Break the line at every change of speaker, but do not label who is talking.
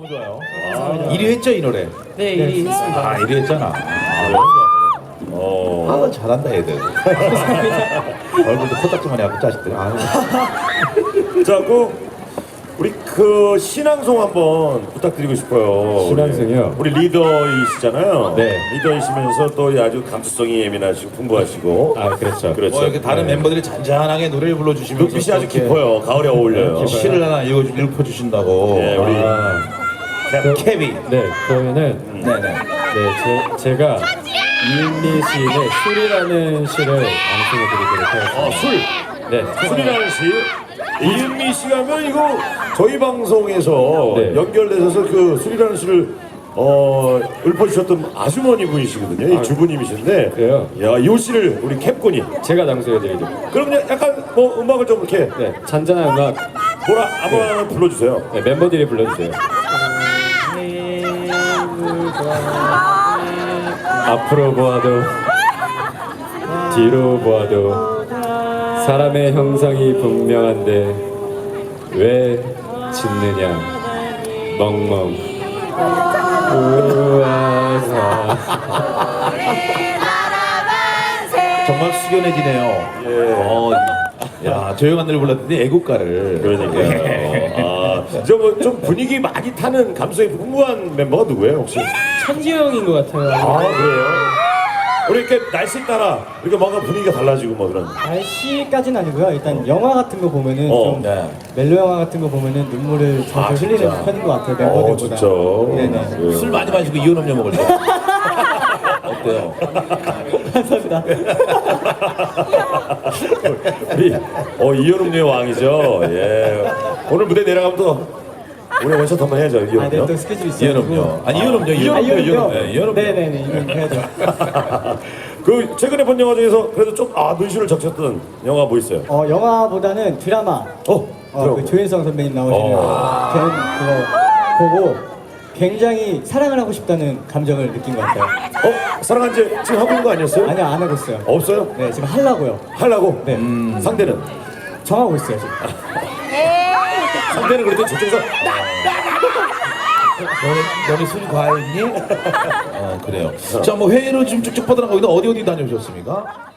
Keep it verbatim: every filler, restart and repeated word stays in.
너무 좋아요.
감사합니다.
일 위 했죠 이 노래?
네, 일 위 했습니다.
아 일 위 했잖아. 아, 너무 좋아.
어.
아 잘한다 애들. 얼굴도 코딱지만 해갖고 자식들. 아,
자, 그 우리 그 신앙송 한번 부탁드리고 싶어요.
신앙송이요?
우리, 우리 리더이시잖아요.
네.
리더이시면서 또 아주 감수성이 예민하시고 풍부하시고.
아, 그렇죠.
그렇죠.
뭐 이렇게 다른
네.
멤버들이 잔잔하게 노래를 불러주시면서
눈빛이 아주
이렇게
깊어요. 가을에 어울려요.
시를 하나 읽어 읽어주신다고.
네, 우리
아,
캡-
케비.
네, 그러면은
네네.
네, 제, 제가 이은미 시인의 술이라는 시를 낭송해드리도록 하겠습니다.
어, 술.
네,
술이라는 시. 이은미 씨가 하면 이거 저희 방송에서
네.
연결되셔서 그 술이라는 시를 어, 읊어주셨던 아주머니 분이시거든요. 이 주부님이신데.
그래요?
야, 이 시를 우리 캡군이.
제가 낭송해드리죠.
그럼 약간 뭐 음악을 좀 이렇게
네, 잔잔한 음악
뭐라 아무나 불러주세요.
네, 멤버들이 불러주세요. 앞으로 보아도 뒤로 보아도 사람의 형상이 분명한데 왜 짖느냐 멍멍 우아사.
정말 숙연해지네요.
예.
어, 야 조용한 노래 불렀더니 애국가를.
그러니까요. 아, 저좀 분위기 많이 타는 감성이 풍부한 멤버가 누구예요 혹시?
천지영인 것 같아요.
아 그래요? 우리 이렇게 날씨 따라 이렇게 뭔가 분위기가 달라지고 뭐 그런.
날씨까지는 아니고요. 일단 영화 같은 거 보면은
어,
좀
네.
멜로 영화 같은 거 보면은 눈물을 잘
아,
흘리는
진짜?
편인 것 같아요.
어
멤버들보다.
진짜.
네네.
예.
술 많이 마시고 이온 음료 먹을 때. 어때요?
감사합니다.
우리 어 이현음료의 왕이죠. 예. 오늘 무대 내려가면 또 우리 원샷 한번 해야죠.
아, 네,
이현음료.
또 스케줄이
이온
있어가지고.
음료. 아니 이온 음료.
아,
이온 음료.
이현음료?
네, 이온 음료.
네네네, 이거 해야죠.
그 최근에 본 영화 중에서 그래도 좀아 눈시울 적셨던 영화 뭐 있어요?
어, 영화보다는 드라마.
어.
어, 그 조인성 선배님 나오시는 편 그거 보고 굉장히 사랑을 하고 싶다는 감정을 느낀 것 같아요.
어 사랑한 지 지금 하고 있는 거 아니었어요?
아니요, 안 하고 있어요.
없어요?
네, 지금 하려고요.
하려고?
네.
상대는?
정하고 있어요, 지금.
상대는 그래도 저쪽에서
너네, 너네 술이 과했니? 어 그래요. 자 뭐 회의를 좀 쭉쭉 뻗어나가고 있는데 어디 어디 다녀오셨습니까?